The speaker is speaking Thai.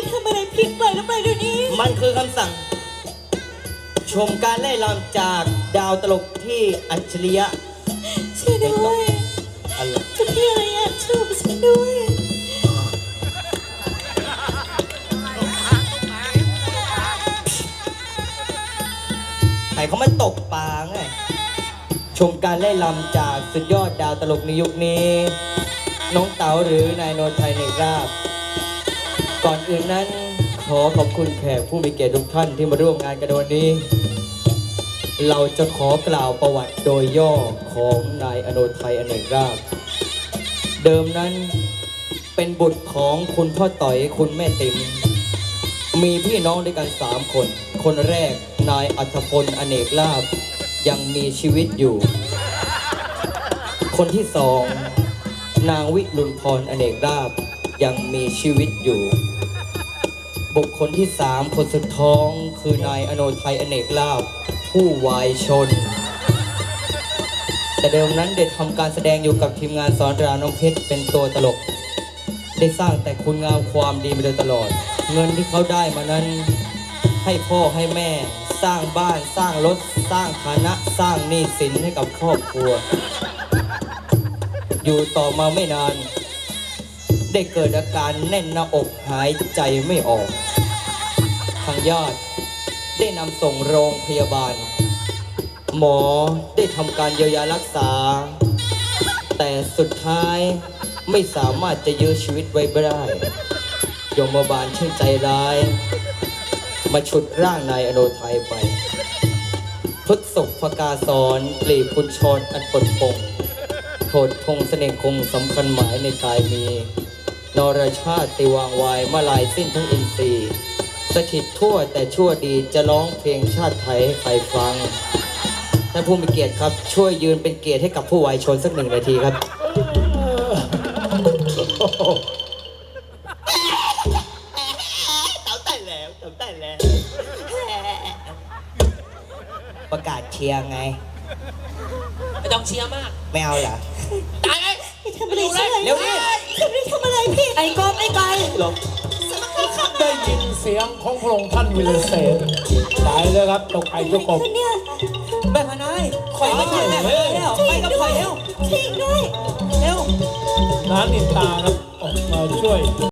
ทำอะไรผิดไปแล้วไปเดี๋ยวนี้มันคือคำสั่งชมการไล่ลำจากดาวตลกที่อัจฉริยะช่วยด้วยอะไรจะพี่อะไรอ่ะช่วยฉันด้วยใครเขามาตกปลาไงชมการไล่ลำจากสุดยอดดาวตลกในยุคนี้ น้องเต๋าหรือนายโนนไทยในราบก่อนอื่นนั้นขอขอบคุณแขกผู้มีเกียรติทุกท่านที่มาร่วมงานกันวันนี้เราจะขอกล่าวประวัติโดยย่อของนายอโนไทยอเนกราชเดิมนั้นเป็นบุตรของคุณพ่อต่อยคุณแม่ติ๋มมีพี่น้องด้วยกัน3 คนคนแรกนายอัธพลอเนกลาภยังมีชีวิตอยู่คนที่2นางวิรุณพรอเนกลาภยังมีชีวิตอยู่บุคคลที่3คนสุดท้องคือนายอโนไทยอเนกลาภผู้วายชนแต่เดิมนั้นได้ทำการแสดงอยู่กับทีมงานสอนรามน้องเพชรเป็นตัวตลกได้สร้างแต่คุณงามความดีมาโดยตลอดเงินที่เขาได้มานั้นให้พ่อให้แม่สร้างบ้านสร้างรถสร้างฐานะสร้างหนี้สินให้กับครอบครัวอยู่ต่อมาไม่นานได้เกิดอาการแน่นหน้าอกหายใจไม่ออกทางญาติได้นำส่งโรงพยาบาลหมอได้ทำการเยียวยารักษาแต่สุดท้ายไม่สามารถจะยื้อชีวิตไว้ได้ยมบาลช่างใจร้ายมาฉุดร่างนายอโนไทยไปพฤกษพกาสอนกลีบคุณชรอันปดปงโทษพงเสน่ห์คงสำคัญหมายในกายมีนรชาติวางวายมาลายสิ้นทั้งอินทรีย์สถิตทั่วแต่ชั่วดีจะร้องเพลงชาติไทยให้ใครฟังท่านผู้มีเกียรติครับช่วยยืนเป็นเกียรติให้กับผู้วายชนสัก1 นาทีครับเต่าได้แล้วเต่าได้แล้วประกาศเชียร์ไงไม่ต้องเชียร์มากไม่เอาเหรอตายเลยทำอะไรใช่ไหมเร็วดิทำอะไรพี่ไอ้กอบไอ้ไก่หรอได้ยินเสียงของพระองค์ท่านวิลเศษตายเลยครับตกไก่ทุกกบแม่พนายคอยไม่ทันแม่แล้วไปกับคอยเร็วทิ้งด้วยน้านินตาครับออกมาช่วย